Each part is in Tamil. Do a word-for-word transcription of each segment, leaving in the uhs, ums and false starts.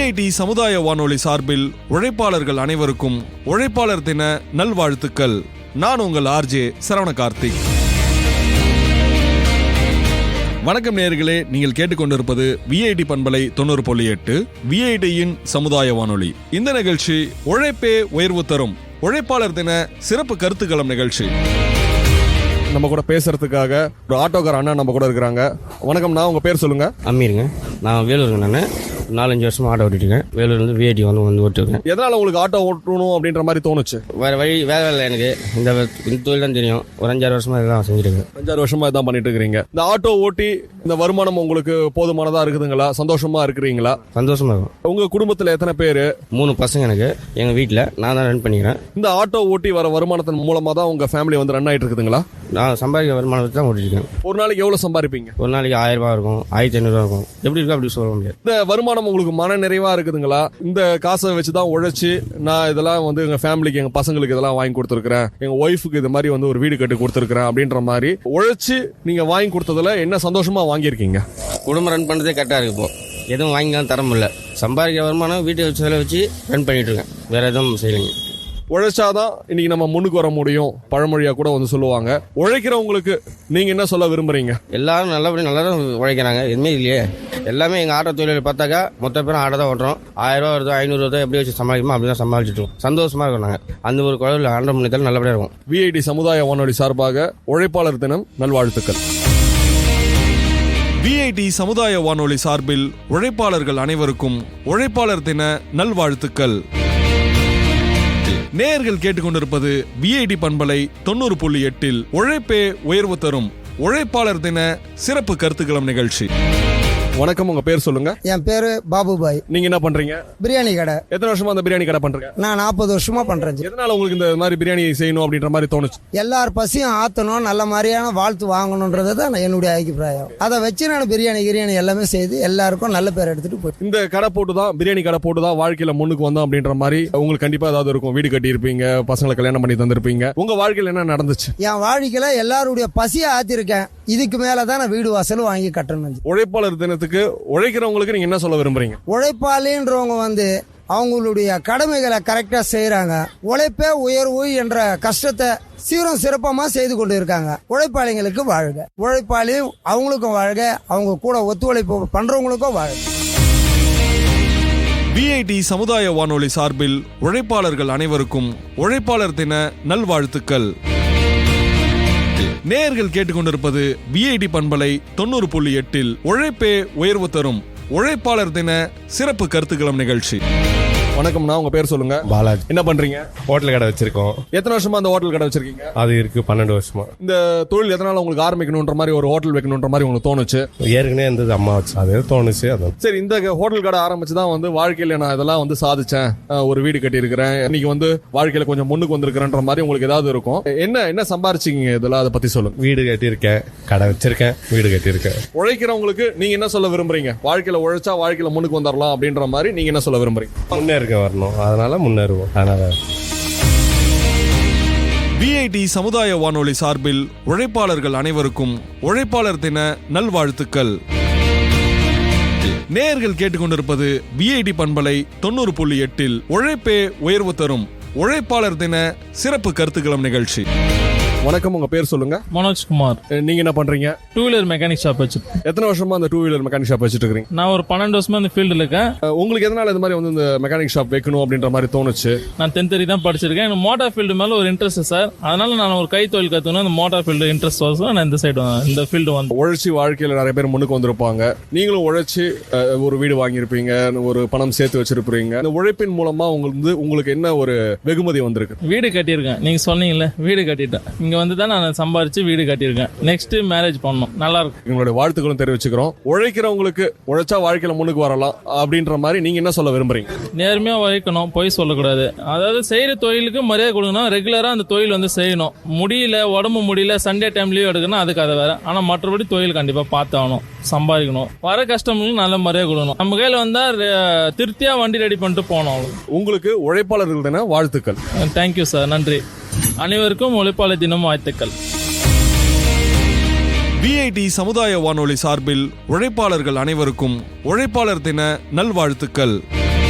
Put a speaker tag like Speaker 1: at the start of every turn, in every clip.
Speaker 1: விஐடி சமுதாய வானொலி சார்பில் உழைப்பாளர்கள் அனைவருக்கும் உழைப்பாளர் தின நல்வாழ்த்துக்கள். நான் உங்கள் ஆர்ஜே சரவண கார்த்திக். வணக்கம் நேயர்களே, நீங்கள் கேட்டுக்கொண்டிருப்பது விஐடி பண்பலை தொண்ணூறு புள்ளி எட்டு விஐடியின் சமுதாய வானொலி. இந்த நிகழ்ச்சி உழைப்பே உயர்வு தரும் உழைப்பாளர் தின சிறப்பு கருத்துக்களம் நிகழ்ச்சி. நம்ம கூட பேசுறதுக்காக ஒரு ஆட்டோக்கார அண்ணா நம்ம கூட இருக்கிறாங்க. வணக்கம்ண்ணா, உங்க பேர் சொல்லுங்க.
Speaker 2: அம்மீருங்க, நான் வேலூருங்க. நான் நாலஞ்சு வருஷமா ஆட்டோ ஓட்டிருக்கேன். வேலூர்லேருந்து விஐடி வந்து வந்து ஓட்டிருக்கேன்.
Speaker 1: எதனால உங்களுக்கு ஆட்டோ ஓட்டணும் அப்படின்ற மாதிரி தோணுச்சு?
Speaker 2: வேற வழி வேலை இல்லை எனக்கு. இந்த இந்த தொழில் தான் தெரியும். ஒரு அஞ்சாறு வருஷமா இதெல்லாம் செஞ்சிருக்கேன்.
Speaker 1: அஞ்சாறு வருஷமா இதான் பண்ணிட்டு இருக்கிறீங்க. இந்த ஆட்டோ ஓட்டி இந்த வருமானம் உங்களுக்கு போதுமானதா இருக்குதுங்களா? சந்தோஷமா இருக்கிறீங்களா?
Speaker 2: சந்தோஷமா இருக்கும்.
Speaker 1: உங்க குடும்பத்துல எத்தனை பேரு?
Speaker 2: மூணு பசங்க எனக்கு. எங்க வீட்டில் நான் தான் ரன் பண்ணிக்கிறேன்.
Speaker 1: இந்த ஆட்டோ ஓட்டி வர வருமானத்தின் மூலமா தான் உங்க ஃபேமிலி வந்து ரன் ஆயிட்டு இருக்குதுங்களா?
Speaker 2: நான் சம்பாதிக்க வருமானத்தை தான் ஓட்டிருக்கேன்.
Speaker 1: ஒரு நாளைக்கு எவ்வளவு சம்பாதிப்பீங்க?
Speaker 2: ஒரு நாளைக்கு ஆயிரம் ரூபாய் இருக்கும், ஆயிரத்தி ஐநூறு ரூபா இருக்கும். எப்படி இருக்கும் அப்படி சொல்ல முடியாது.
Speaker 1: இந்த வருமானம் உங்களுக்கு மன நிறைவா இருக்குதுங்களா? இந்த காசை வச்சுதான் உழைச்சு நான் இதெல்லாம் வந்து எங்க ஃபேமிலிக்கு, எங்க பசங்களுக்கு இதெல்லாம் வாங்கி கொடுத்துருக்கேன், எங்க ஒய்ஃபுக்கு இது மாதிரி வந்து ஒரு வீடு கட்டி கொடுத்துருக்கேன் அப்படின்ற மாதிரி உழைச்சு நீங்க வாங்கி கொடுத்ததுல என்ன சந்தோஷமா வாங்கியிருக்கீங்க?
Speaker 2: குடும்பம் ரன் பண்ணுறதே கரெக்டாக இருக்கு. இப்போ எதுவும் வாங்கிக்கலாம் தர முடியல. சம்பாதிக்க வருமானம் வீட்டை வச்சு செலவு வச்சு ரன் பண்ணிட்டு இருக்கேன். வேற எதுவும் செய்யலைங்க.
Speaker 1: உழைச்சாதான் இன்னைக்கு நம்ம முன்னுக்கு வர முடியும், பழமொழியா கூட வந்து சொல்லுவாங்க. உழைக்கிறவங்களுக்கு நீங்க என்ன சொல்ல விரும்புறீங்க?
Speaker 2: எல்லாரும் நல்லபடியாக நல்லா தான் உழைக்கிறாங்க. எதுவுமே இல்லையே. எல்லாமே எங்கள் ஆட்டோ தொழிலை பார்த்தாக்கா மொத்த பேரும் ஆட்டோ தான் ஓட்டுறோம். ஆயிரம் ரூபா வருதோ ஐநூறு வருதோ எப்படி வச்சு சமாளிக்குமோ அப்படி தான் சமாளிச்சுட்டு இருக்கோம். சந்தோஷமா இருக்கும். நாங்கள் அந்த ஒரு குழந்தை ஆண்டை முன்னேற்றம் நல்லபடியாக இருக்கும்.
Speaker 1: விஐடி சமுதாய வானொலி சார்பாக உழைப்பாளர் தினம் நல்வாழ்த்துக்கள். விஐடி சமுதாய வானொலி சார்பில் உழைப்பாளர்கள் அனைவருக்கும் உழைப்பாளர் தின நல்வாழ்த்துக்கள். நேயர்கள் கேட்டுக்கொண்டிருப்பது விஐடி பண்பலை தொண்ணூறு புள்ளி எட்டில் உழைப்பே உயர்வு தரும் உழைப்பாளர் தின சிறப்பு கருத்துக்களம் நிகழ்ச்சி. வணக்கம், உங்க பேர் சொல்லுங்க.
Speaker 3: என் பேரு பாபுபாய்.
Speaker 1: நீங்க என்ன பண்றீங்க?
Speaker 3: பிரியாணி கடை.
Speaker 1: எத்தனை வருஷமா அந்த பிரியாணி கடை பண்றீங்க?
Speaker 3: நான் நாற்பது வருஷமா பண்றேன்.
Speaker 1: எதனால உங்களுக்கு இந்த மாதிரி பிரியாணி செய்யணும் அப்படின்ற மாதிரி தோணுச்சு?
Speaker 3: எல்லார் பசியும் ஆத்தணும், நல்ல மாதிரியான வாழ்த்து வாங்கணும்ன்றது தான் என்னுடைய அபிப்பிராயம். அதை வச்சு நான் பிரியாணி கிரியாணி எல்லாமே செய்து எல்லாருக்கும் நல்ல பேர் எடுத்துட்டு போய்
Speaker 1: இந்த கடை போட்டு தான், பிரியாணி கடை போட்டு தான் வாழ்க்கையில முன்னுக்கு வந்தோம் அப்படின்ற மாதிரி உங்களுக்கு கண்டிப்பா ஏதாவது இருக்கும். வீடு கட்டி இருப்பீங்க, பசங்களை கல்யாணம் பண்ணி தந்திருப்பீங்க. உங்க வாழ்க்கையில என்ன நடந்துச்சு?
Speaker 3: என் வாழ்க்கையில எல்லாருடைய பசியை ஆத்திருக்கேன். இதுக்கு மேலதான் நான் வீடு வாசல் வாங்கி கட்டணும்.
Speaker 1: உழைப்பாளர் தினத்துக்கு உழைக்கிறவங்களுக்கு நீங்க என்ன சொல்ல விரும்புறீங்க?
Speaker 3: உழைப்பாளின்றவங்க வந்து அவங்களுடைய கடமைகளை கரெக்டா செய்யறாங்க. உழைப்பே உயர்வு என்ற கஷ்டத்தை சீரும் சிறப்பமா செய்து கொண்டு இருக்காங்க. உழைப்பாளிகளுக்கு வாழ்க. உழைப்பாளி அவங்களுக்கும் வாழ்க, அவங்க கூட ஒத்துழைப்பு பண்றவங்களுக்கும் வாழ்க.
Speaker 1: விஐடி சமுதாய வானொலி சார்பில் உழைப்பாளர்கள் அனைவருக்கும் உழைப்பாளர் தின நல்வாழ்த்துக்கள். நேயர்கள் கேட்டுக்கொண்டிருப்பது விஐடி பண்பலை தொண்ணூறு புள்ளி எட்டில் உழைப்பே உயர்வு தரும் உழைப்பாளர் தின சிறப்பு கருத்துக்களம் நிகழ்ச்சி. வணக்கம்ண்ணா, உங்க பேர் சொல்லுங்க.
Speaker 4: பாலாஜி.
Speaker 1: என்ன பண்றீங்க?
Speaker 4: ஹோட்டல் கடை வச்சிருக்கோம்.
Speaker 1: எத்தனை வருஷமா அந்த ஹோட்டல் கடை வச்சிருக்கீங்க?
Speaker 4: அது இருக்கு பன்னெண்டு வருஷமா.
Speaker 1: இந்த தொழில் எதனால உங்களுக்கு ஆரம்பிக்கணும்ன்ற மாதிரி, ஒரு ஹோட்டல் வைக்கணும்ன்ற மாதிரி உங்களுக்கு தோணுச்சு?
Speaker 4: ஏற்கனவே இருந்தது, அம்மா வச்சு அது தோணுச்சு. அதான்
Speaker 1: சரி, இந்த ஹோட்டல் கடை ஆரம்பிச்சுதான் வந்து வாழ்க்கையில நான் இதெல்லாம் வந்து சாதிச்சேன், ஒரு வீடு கட்டி இருக்கிறேன், இன்னைக்கு வந்து வாழ்க்கையில கொஞ்சம் முன்னுக்கு வந்திருக்கிறேன்ற மாதிரி உங்களுக்கு ஏதாவது இருக்கும். என்ன என்ன சம்பாரிச்சிங்க இதெல்லாம், அதை பத்தி சொல்லுங்க.
Speaker 4: வீடு கட்டியிருக்கேன், கடை வச்சிருக்கேன், வீடு கட்டியிருக்கேன்.
Speaker 1: உழைக்கிறவங்களுக்கு நீங்க என்ன சொல்ல விரும்புறீங்க? வாழ்க்கையில உழைச்சா வாழ்க்கையில முன்னுக்கு வந்துடலாம் அப்படின்ற மாதிரி நீங்க என்ன சொல்ல விரும்புறீங்க?
Speaker 4: முன்னேறிக்க வரணும், அதனால முன்னேறுவோம். அதனால
Speaker 1: விஐடி சமுதாய வானொலி சார்பில் உழைப்பாளர்கள் அனைவருக்கும் உழைப்பாளர் தின நல்வாழ்த்துக்கள். நேயர்கள் கேட்டுக்கொண்டிருப்பது விஐடி பண்பலை தொண்ணூறு புள்ளி எட்டில் உழைப்பே உயர்வு தரும் உழைப்பாளர் தின சிறப்பு கருத்துக்களம் நிகழ்ச்சி. வணக்கம், உங்க பேர் சொல்லுங்க.
Speaker 5: மனோஜ்குமார்.
Speaker 1: நீங்க என்ன பண்றீங்க?
Speaker 5: டூ வீலர் மெக்கானிக் ஷாப் வச்சு.
Speaker 1: எத்தனை வருஷமா அந்த டூ வீலர் மெக்கானிக் ஷாப் வச்சுட்டு இருக்கீங்க?
Speaker 5: நான் ஒரு பன்னெண்டு வருஷமா இந்த ஃபீல்டில் இருக்கேன்.
Speaker 1: உங்களுக்கு எதனால இந்த மாதிரி வந்து இந்த மெக்கானிக் ஷாப் வைக்கணும் அப்படின்ற மாதிரி தோணுச்சு?
Speaker 5: நான் டென்த் வரை தான் படிச்சிருக்கேன். எனக்கு மோட்டார் ஃபீல்டு மேல ஒரு இன்ட்ரெஸ்ட் சார். அதனால நான் ஒரு கை தொழில் கற்றுக்கணும், இந்த மோட்டார் ஃபீல்டு இன்ட்ரெஸ்ட் வரும். நான் இந்த சைடு இந்த ஃபீல்டு வந்து
Speaker 1: உழைச்சி வாழ்க்கையில் நிறைய பேர் முன்னுக்கு வந்திருப்பாங்க. நீங்களும் உழைச்சி ஒரு வீடு வாங்கியிருப்பீங்க, ஒரு பணம் சேர்த்து வச்சிருப்பீங்க. இந்த உழைப்பின் மூலமா உங்களுக்கு உங்களுக்கு என்ன ஒரு வெகுமதி வந்திருக்கு?
Speaker 5: வீடு கட்டியிருக்கேன். நீங்க சொன்னீங்கல்ல, வீடு கட்டிட்டேன். இங்க வந்து தான் நான் சம்பாரிச்சு வீடு கட்டியிருக்கேன். நெக்ஸ்ட் மேரேஜ் பண்ணணும். நல்லா இருக்கும்.
Speaker 1: எங்களுடைய வாழ்த்துக்களும் தெரிவிச்சுக்கிறோம். உழைக்கிறவங்களுக்கு உழைச்சா வாழ்க்கையில முன்னுக்கு வரலாம் அப்படின்ற மாதிரி நீங்க என்ன சொல்ல விரும்புறீங்க?
Speaker 5: நேர்மையா உழைக்கணும், பொய் சொல்லக்கூடாது. அதாவது செய்யற தொழிலுக்கு மரியாதை கொடுக்கணும். ரெகுலரா அந்த தொழில் வந்து செய்யணும். முடியல, உடம்பு முடியல, சண்டே டைம் லீவ் எடுக்கணும், அதுக்கு அதை வேற. ஆனா மற்றபடி தொழில் கண்டிப்பா பார்த்தாகணும், சம்பாதிக்கணும். வர கஸ்டமர்களுக்கு நல்ல மரியாதை கொடுக்கணும். நம்ம கையில வந்தா திருப்தியா வண்டி ரெடி பண்ணிட்டு போனோம்.
Speaker 1: உங்களுக்கு உழைப்பாளர்கள் தின வாழ்த்துக்கள்.
Speaker 5: தேங்க்யூ சார், நன்றி. அனைவருக்கும் உழைப்பாளர் தினம் வாழ்த்துக்கள்.
Speaker 1: விஐடி சமுதாய வானொலி சார்பில் உழைப்பாளர்கள் அனைவருக்கும் உழைப்பாளர் தின நல்வாழ்த்துக்கள்.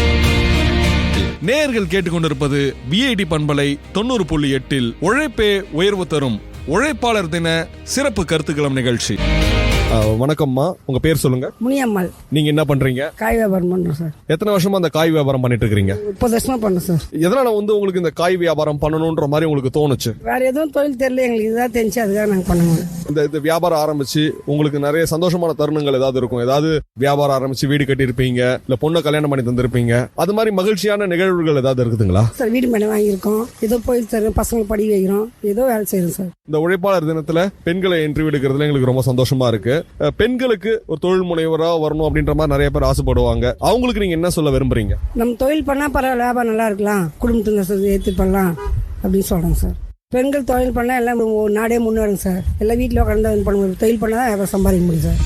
Speaker 1: நேயர்கள் கேட்டுக்கொண்டிருப்பது விஐடி பண்பலை தொண்ணூறு புள்ளி எட்டில் உழைப்பே உயர்வு தரும் உழைப்பாளர் தின சிறப்பு கருத்துக்களம் நிகழ்ச்சி. வணக்கம்மா, உங்க பேர் சொல்லுங்க.
Speaker 6: முனியம்மாள்.
Speaker 1: நீங்க என்ன பண்றீங்க?
Speaker 6: காய் வியாபாரம் பண்றோம் சார்.
Speaker 1: எத்தனை வருஷமா அந்த காய் வியாபாரம் பண்ணிட்டு இருக்கீங்க?
Speaker 6: முப்பது வருஷமா பண்றோம் சார்.
Speaker 1: எதனால வந்து உங்களுக்கு இந்த காய் வியாபாரம் பண்ணணும்ன்ற மாதிரி உங்களுக்கு தோணுச்சு?
Speaker 6: வேற எதுவும் தொழில் தெரியல, எங்களுக்கு இதுதான் தெரிஞ்சு அதுதான் நாங்க பண்ணுவோம்.
Speaker 1: இந்த இந்த வியாபாரம் ஆரம்பிச்சு உங்களுக்கு நிறைய சந்தோஷமான தருணங்கள் ஏதாவது இருக்கும்? ஏதாவது வியாபாரம் ஆரம்பிச்சு வீடு கட்டி இருப்பீங்க, இல்ல பொண்ணை கல்யாணம் பண்ணி தந்திருப்பீங்க, அது மாதிரி மகிழ்ச்சியான நிகழ்வுகள் ஏதாவது இருக்குதுங்களா?
Speaker 6: சார் வீடு மனை வாங்கியிருக்கோம், ஏதோ போய் தரோம், பசங்களை படி வைக்கிறோம், ஏதோ வேலை செய்யறோம் சார்.
Speaker 1: இந்த உழைப்பாளர் தினத்துல பெண்களை இன்டர்வியூ எடுக்கிறதுல எங்களுக்கு ரொம்ப சந்தோஷமா இருக்கு. பெண்களுக்கு ஒரு தொழில் முனைவரா வரணும் அப்படின்ற மாதிரி நிறைய பேர் ஆசைப்படுவாங்க. அவங்களுக்கு நீங்க என்ன சொல்ல விரும்புறீங்க?
Speaker 6: நம்ம தொழில் பண்ணா பரவாயில்ல, வியாபாரம் நல்லா இருக்கலாம், குடும்பத்துக்கு ஏற்று பண்ணலாம் அப்படின்னு சொல்றோம் சார். பெண்கள் தொழில் பண்ணா எல்லாம் நாடே முன்னேறும் சார். எல்லாம் வீட்டில் உட்காந்து பண்ண தொழில் பண்ணா தான் சம்பாதிக்க முடியும் சார்.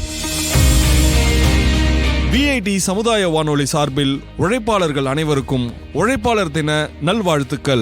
Speaker 1: விஐடி சமுதாய வானொலி சார்பில் உழைப்பாளர்கள் அனைவருக்கும் உழைப்பாளர் தின நல்வாழ்த்துக்கள்.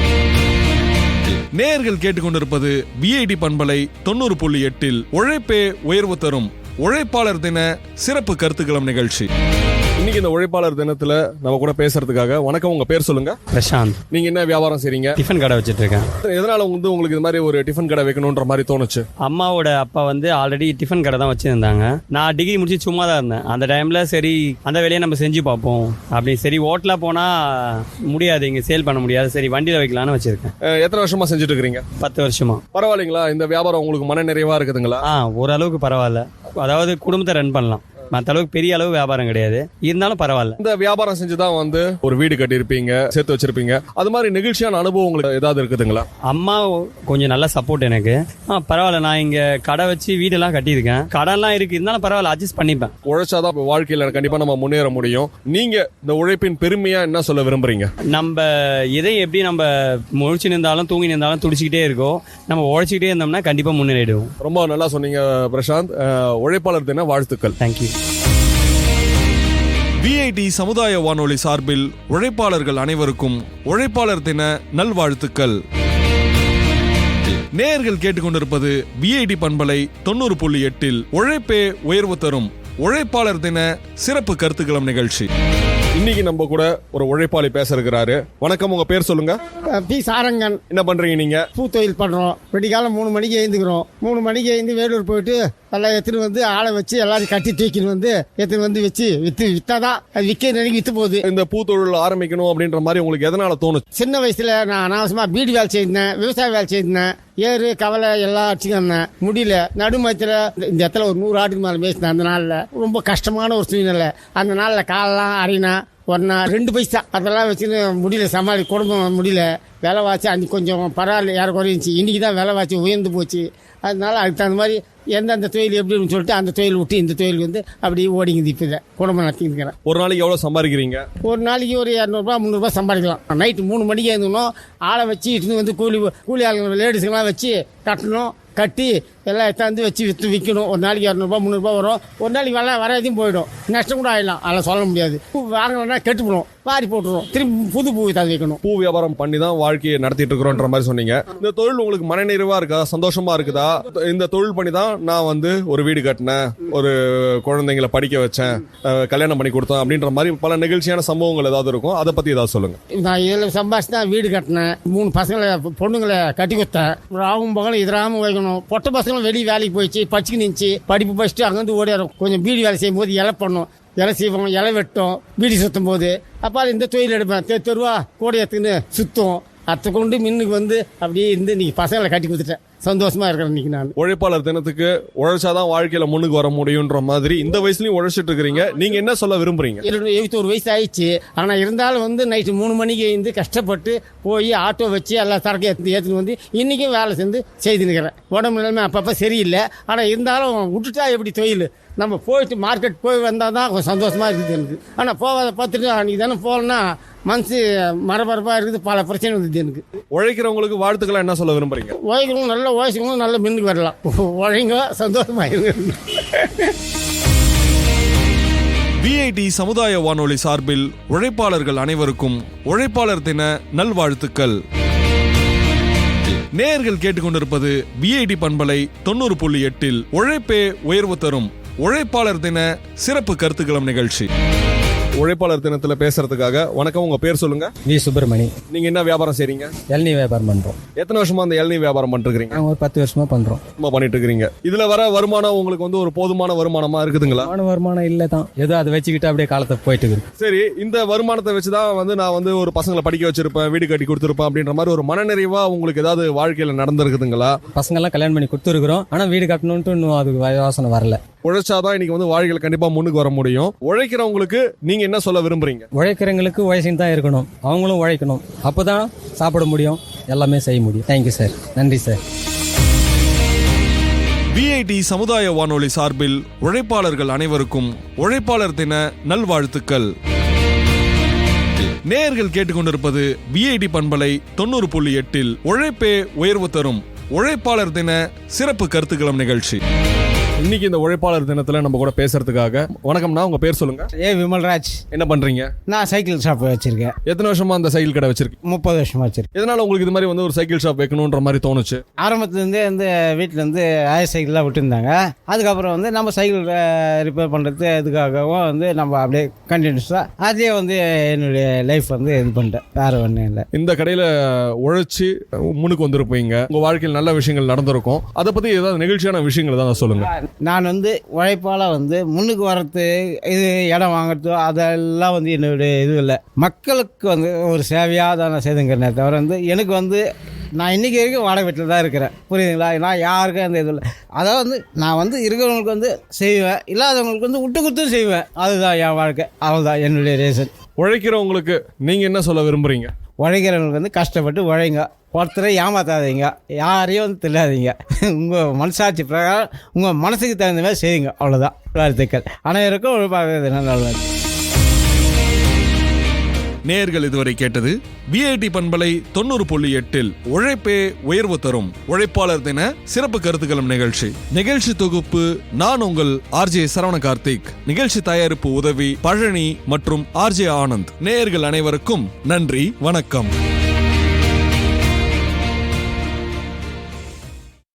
Speaker 1: நேயர்கள் கேட்டுக்கொண்டிருப்பது விஐடி பண்பலை தொண்ணூறு புள்ளி எட்டில் உழைப்பே உயர்வு தரும் உழைப்பாளர் தின சிறப்பு கருத்துக்களம் நிகழ்ச்சி. இன்னைக்கு இந்த உழைப்பாளர் தினத்துல நம்ம கூட பேசுறதுக்காக, வணக்கம், உங்க பேர் சொல்லுங்க.
Speaker 7: பிரசாந்த்.
Speaker 1: நீங்க என்ன வியாபாரம் செய்றீங்க?
Speaker 7: டிஃபன் கடை வச்சிட்டு இருக்கேன்.
Speaker 1: எதனால வந்து உங்களுக்கு இது மாதிரி ஒரு டிஃபன் கடை வைக்கணும்ன்ற மாதிரி தோணுச்சு?
Speaker 7: அம்மாவோட அப்பா வந்து ஆல்ரெடி டிஃபன் கடை தான் வச்சிருந்தாங்க. நான் டிகிரி முடிச்சு சும்மா தான் இருந்தேன் அந்த டைம்ல. சரி, அந்த வேலையை நம்ம செஞ்சு பார்ப்போம் அப்படி. சரி, ஹோட்டலா போனா முடியாது, இங்க சேல் பண்ண முடியாது, சரி வண்டியில வைக்கலாம்னு வச்சிருக்கேன்.
Speaker 1: எத்தனை வருஷமா செஞ்சுட்டு இருக்கீங்க?
Speaker 7: பத்து வருஷமா.
Speaker 1: பரவாயில்லைங்களா? இந்த வியாபாரம் உங்களுக்கு மன நிறைவா இருக்குதுங்களா?
Speaker 7: ஆ, ஓரளவுக்கு பரவாயில்ல. அதாவது குடும்பத்தை ரன் பண்ணலாம், மற்ற அளவுக்கு பெரிய அளவு வியாபாரம் கிடையாது, இருந்தாலும் பரவாயில்ல.
Speaker 1: இந்த வியாபாரம் செஞ்சுதான் வந்து ஒரு வீடு கட்டி இருப்பீங்க, சேர்த்து வச்சிருப்பீங்க. அது மாதிரி நெகிழ்ச்சியான அனுபவம் உங்களுக்கு ஏதாவது இருக்குதுங்களா?
Speaker 7: அம்மா கொஞ்சம் நல்ல சப்போர்ட் எனக்கு. ஆ, பரவாயில்ல. நான் இங்க கடை வச்சு வீடெல்லாம் கட்டியிருக்கேன், கடன்லாம் இருக்கு, இருந்தாலும் பரவாயில்ல, அட்ஜஸ்ட் பண்ணிப்பேன்.
Speaker 1: உழைச்சாதான் வாழ்க்கையில கண்டிப்பா நம்ம முன்னேற முடியும். நீங்க இந்த உழைப்பின் பெருமையா என்ன சொல்ல விரும்புறீங்க?
Speaker 7: நம்ம எதை எப்படி நம்ம முழிச்சு நின்றாலும் தூங்கி நின்றாலும் துடிச்சுக்கிட்டே இருக்கோம், நம்ம உழைச்சிக்கிட்டே இருந்தோம்னா கண்டிப்பா முன்னேறிடுவோம்.
Speaker 1: ரொம்ப நல்லா சொன்னீங்க பிரசாந்த். உழைப்பாளர் தின வாழ்த்துக்கள்.
Speaker 7: தேங்க்யூ.
Speaker 1: விஐடி சமுதாய வானொலி சார்பில் உழைப்பாளர்கள் அனைவருக்கும் உழைப்பாளர் தின நல்வாழ்த்துக்கள். நேயர்கள் கேட்டுக்கொண்டிருப்பது விஐடி பண்பலை தொண்ணூறு புள்ளி எட்டில் உழைப்பே உயர்வு தரும் உழைப்பாளர் தின சிறப்பு கருத்துக்களம் நிகழ்ச்சி. இன்னைக்கு நம்ம கூட ஒரு உழைப்பாளி பேச இருக்கிறாரு. வணக்கம், உங்க பேர் சொல்லுங்க.
Speaker 8: பி சாரங்கன்.
Speaker 1: என்ன பண்றீங்க நீங்க?
Speaker 8: பூ தொழில் பண்றோம். வெடிக்காலம் மூணு மணிக்கு எழுந்துக்கிறோம். மூணு மணிக்கு எழுந்து வேலூர் போயிட்டு எல்லாம் எடுத்துன்னு வந்து ஆளை வச்சு எல்லாரும் கட்டி தூக்கின்னு வந்து எடுத்துன்னு வந்து வச்சு வித்து வித்தாதான் அது விற்க நினைக்கி வித்து போகுது.
Speaker 1: இந்த பூ தொழில் ஆரம்பிக்கணும் அப்படின்ற மாதிரி உங்களுக்கு எதனால தோணுச்சு?
Speaker 8: சின்ன வயசுல நான் அனாவசியமா பீடி வேலை செய்திருந்தேன், விவசாய வேலை செய்திருந்தேன், ஏறு கவலை எல்லாம் அடிச்சுக்கிறேன். முடியல. நடுமயத்துல இந்த இடத்துல ஒரு நூறு ஆட்டுக்கு மேலே பேசினேன். அந்த நாள்ல ரொம்ப கஷ்டமான ஒரு சூழ்நிலை. அந்த நாள்ல காலெல்லாம் அரினா ஒன்னா ரெண்டு பைசா அதெல்லாம் வச்சுன்னு முடியல, சமாளி குடும்பம் முடியல. விலைவாசி அன்னைக்கு கொஞ்சம் பரவாயில்ல, யாரும் குறைஞ்சி. இன்னைக்கு தான் விலைவாசி உயர்ந்து போச்சு. அதனால அதுக்கு தகுந்த மாதிரி எந்தெந்த தொழில் எப்படின்னு சொல்லிட்டு அந்த தொழில் விட்டு இந்த தொழில் வந்து அப்படியே ஓடிங்குது. இப்போ குடும்பம் நடத்திக்கிறேன்.
Speaker 1: ஒரு நாளைக்கு எவ்வளோ சம்பாதிக்கிறீங்க?
Speaker 8: ஒரு நாளைக்கு ஒரு இரநூறுபா முந்நூறுபா சம்பாதிக்கலாம். நைட்டு மூணு மணிக்கு எழுந்தணும், ஆளை வச்சு இட்டு வந்து கூலி கூலி ஆளுங்க லேடிஸுங்கெல்லாம் வச்சு கட்டணும், கட்டி எல்லாம் எடுத்தாந்து வச்சு விற்று விற்கணும். ஒரு நாளைக்கு இரநூறுபா முந்நூறுபா வரும். ஒரு நாளைக்கு வெள்ள வராதையும் போயிடும், நஷ்டம் கூட ஆகிடலாம். அதெல்லாம் சொல்ல முடியாது. பூ வாங்கினா கெட்டு போடும், வாரி போட்டுரும், திரும்பி புது பூ தான் வைக்கணும்.
Speaker 1: பூ வியாபாரம் பண்ணி தான் வாழ்க்கையை நடத்திட்டு இருக்கிறோன்ற மாதிரி சொன்னீங்க. இந்த தொழில் உங்களுக்கு மனநிறைவா இருக்கா, சந்தோஷமா இருக்குதா? இந்த தொழில் பண்ணி தான் நான் வந்து ஒரு வீடு கட்டினேன், ஒரு குழந்தைங்களை படிக்க வச்சேன், கல்யாணம் பண்ணி கொடுத்தேன் அப்படின்ற மாதிரி பல நிகழ்ச்சியான சம்பவங்கள் ஏதாவது இருக்கும், அதை பத்தி ஏதாவது சொல்லுங்க.
Speaker 8: நான் இதில் சம்பாதிச்சு தான் வீடு கட்டினேன், மூணு பசங்களை பொண்ணுங்களை கட்டி கொடுத்தேன். ராவும் பகலும் எதிராம வைக்கணும். பொட்ட பசங்களும் வெளியே வேலைக்கு போயிடுச்சு, படிச்சுக்கு நின்று படிப்பு படிச்சுட்டு அங்கேருந்து ஓடிடும். கொஞ்சம் பீடி வேலை செய்யும் போது இலை பண்ணோம், இலை செய்வோம், இலை வெட்டும், பீடி சுற்றும் போது அப்போ இந்த தொழில் எடுப்பேன். தெ தெருவா கூட எடுத்துன்னு சுத்தம் அத்தை கொண்டு மின்னுக்கு வந்து அப்படியே இருந்து இன்னைக்கு பசங்களை கட்டி கொடுத்துட்டேன். சந்தோஷமா இருக்கிறேன் இன்னைக்கு நான்.
Speaker 1: உழைப்பாளர் தினத்துக்கு உழைச்சாதான் வாழ்க்கையில முன்னுக்கு வர முடியும்ன்ற மாதிரி இந்த வயசுலயும் உழைச்சிட்டு இருக்கிறீங்க. நீங்க என்ன சொல்ல விரும்புறீங்க?
Speaker 8: எழுபத்தோரு வயசு ஆயிடுச்சு. ஆனா இருந்தாலும் வந்து நைட்டு மூணு மணிக்கு எழுந்து கஷ்டப்பட்டு போய் ஆட்டோ வச்சு எல்லா சரக்கு ஏற்றி ஏற்றுன்னு வந்து இன்னைக்கும் வேலை செஞ்சு செய்துன்னுக்கிறேன். உடம்பு நிலைமை அப்பப்போ சரியில்லை. ஆனா இருந்தாலும் விட்டுட்டா எப்படி தொழில்? நம்ம போயிட்டு மார்க்கெட் போய் வந்தால் தான் கொஞ்சம் சந்தோஷமாக இருக்குது எனக்கு. ஆனால் போகாத பார்த்துட்டு அன்றைக்கி தானே போகலன்னா மனசு மரபரப்பாக இருக்குது, பல பிரச்சனை வந்துது எனக்கு.
Speaker 1: உழைக்கிறவங்களுக்கு வாழ்த்துக்களை என்ன சொல்ல விரும்புறீங்க?
Speaker 8: உழைக்கிறவங்க நல்ல உழைச்சிக்கவங்க நல்ல மின்னுக்கு வரலாம். உழைங்க, சந்தோஷமாக.
Speaker 1: விஐடி சமுதாய வானொலி சார்பில் உழைப்பாளர்கள் அனைவருக்கும் உழைப்பாளர் தின நல்வாழ்த்துக்கள். நேயர்கள் கேட்டுக்கொண்டிருப்பது விஐடி பண்பலை தொண்ணூறு புள்ளி எட்டில் உழைப்பே உயர்வு தரும் உழைப்பாளர் தின சிறப்பு கருத்துக்களம் நிகழ்ச்சி. உழைப்பாளர் தினத்துல பேசுறதுக்காக வணக்கம். உங்க பேர் சொல்லுங்க.
Speaker 9: வி சுப்பிரமணி.
Speaker 1: நீங்க என்ன வியாபாரம் செய்றீங்க?
Speaker 9: இளநீ வியாபாரம் பண்றோம்.
Speaker 1: எத்தனை வருஷமா அந்த இளநீ வியாபாரம் பண்ணிட்டு இருக்கீங்க?
Speaker 9: நாங்க ஒரு பத்து வருஷமா பண்றோம்.
Speaker 1: சும்மா பண்ணிட்டு இருக்கீங்க. இதுல வர வருமானம் உங்களுக்கு வந்து ஒரு போதுமான வருமானமா இருக்குதுங்களா?
Speaker 9: வருமான வருமானம் இல்ல தான், ஏதோ அதை வச்சுக்கிட்டு அப்படியே காலத்தை போயிட்டு இருக்கு.
Speaker 1: சரி, இந்த வருமானத்தை வச்சுதான் வந்து நான் வந்து ஒரு பசங்களை படிக்க வச்சிருப்பேன், வீடு கட்டி கொடுத்துருப்பேன் அப்படின்ற மாதிரி ஒரு மனநிறைவா உங்களுக்கு ஏதாவது வாழ்க்கையில நடந்திருக்குதுங்களா?
Speaker 9: பசங்க எல்லாம் கல்யாணம் பண்ணி கொடுத்துருக்கிறோம், ஆனா வீடு கட்டணும்ட்டு இன்னும் அதுக்கு யோசனை வரல.
Speaker 1: உழைச்சாதான் இன்னைக்கு வந்து வாழ்க்கையில கண்டிப்பா முன்னுக்கு வர முடியும். உழைக்கிறவங்களுக்கு நீங்க என்ன சொல்ல விரும்புறீங்க?
Speaker 9: உழைக்கிறவங்களுக்கு உழைச்சின்னு தான் இருக்கணும், அவங்களும் உழைக்கணும், அப்பதான் சாப்பிட முடியும், எல்லாமே செய்ய முடியும். தேங்க்யூ சார், நன்றி சார்.
Speaker 1: விஐடி சமுதாய வானொலி சார்பில் உழைப்பாளர்கள் அனைவருக்கும் உழைப்பாளர் தின நல்வாழ்த்துக்கள். நேயர்கள் கேட்டுக்கொண்டிருப்பது விஐடி பண்பலை தொண்ணூறு புள்ளி எட்டில் உழைப்பே உயர்வு தரும் உழைப்பாளர் தின சிறப்பு கருத்துக்களம் நிகழ்ச்சி. இன்னைக்கு இந்த உழைப்பாளர் தினத்துல நம்ம கூட பேசுறதுக்காக வணக்கம்னா, உங்க பேர் சொல்லுங்க.
Speaker 8: ஏ விமல்ராஜ்.
Speaker 1: என்ன பண்றீங்க?
Speaker 8: நான் சைக்கிள் ஷாப் வச்சிருக்கேன்.
Speaker 1: எத்தனை வருஷமா அந்த சைக்கிள் கடை வச்சிருக்கீங்க?
Speaker 8: முப்பது வருஷமா வச்சிருக்கேன்.
Speaker 1: எதனால உங்களுக்கு இது மாதிரி வந்து ஒரு சைக்கிள் ஷாப் வைக்கணும்ன்ற மாதிரி தோணுச்சு?
Speaker 8: ஆரம்பத்துலேருந்தே வந்து வீட்டில் வந்து ஆயர் சைக்கிள்லாம் விட்டுருந்தாங்க. அதுக்கப்புறம் வந்து நம்ம சைக்கிள் ரிப்பேர் பண்ணுறது இதுக்காகவும் வந்து நம்ம அப்படியே கண்டினியூஸாக அதே வந்து என்னுடைய லைஃப் வந்து இது பண்ணிட்டேன், வேறு ஒன்றும் இல்லை.
Speaker 1: இந்த கடையில் உழைச்சி முன்னுக்கு வந்திருப்பீங்க, உங்கள் வாழ்க்கையில் நல்ல விஷயங்கள் நடந்திருக்கும். அதை பற்றி ஏதாவது நிகழ்ச்சியான விஷயங்கள் தான் சொல்லுங்கள்.
Speaker 8: நான் வந்து உழைப்பால் வந்து முன்னுக்கு வர்றது, இது இடம் வாங்குறதோ அதெல்லாம் வந்து என்னுடைய இது இல்லை. மக்களுக்கு வந்து ஒரு சேவையாக தான் நான் செய்துங்கிறேன் தவிர வந்து எனக்கு வந்து நான் இன்றைக்கி வரைக்கும் வாடகை வீட்டில் தான் இருக்கிறேன், புரியுதுங்களா? நான் யாருக்கும் அந்த இது இல்லை. அதாவது வந்து நான் வந்து இருக்கிறவங்களுக்கு வந்து செய்வேன், இல்லாதவங்களுக்கு வந்து விட்டு கொடுத்தும் செய்வேன். அதுதான் என் வாழ்க்கை, அவ்வளோதான் என்னுடைய ரீசன்.
Speaker 1: உழைக்கிறவங்களுக்கு நீங்கள் என்ன சொல்ல விரும்புகிறீங்க?
Speaker 8: உழைக்கிறவங்களுக்கு வந்து கஷ்டப்பட்டு உழைங்க, ஒருத்தரை ஏமாத்தாதீங்க, யாரையும் வந்து தெரியாதீங்க. உங்கள் மனசாட்சி பிரகாரம் உங்கள் மனசுக்கு தகுந்த மாதிரி செய்யுங்க, அவ்வளோதான். வாழ்த்துக்கள் அனைவருக்கும் உழைப்பாக நல்லது.
Speaker 1: நேயர்கள் இதுவரை கேட்டது விஐடி பண்பலை தொண்ணூறு புள்ளி எட்டில் உழைப்பே உயர்வு தரும் உழைப்பாளர் தின சிறப்பு கருத்துக்களம் நிகழ்ச்சி. நிகழ்ச்சி தொகுப்பு நான் உங்கள் ஆர்ஜே சரவண கார்த்திக். நிகழ்ச்சி தயாரிப்பு உதவி பழனி மற்றும் ஆர்ஜே ஆனந்த். நேயர்கள் அனைவருக்கும் நன்றி, வணக்கம்.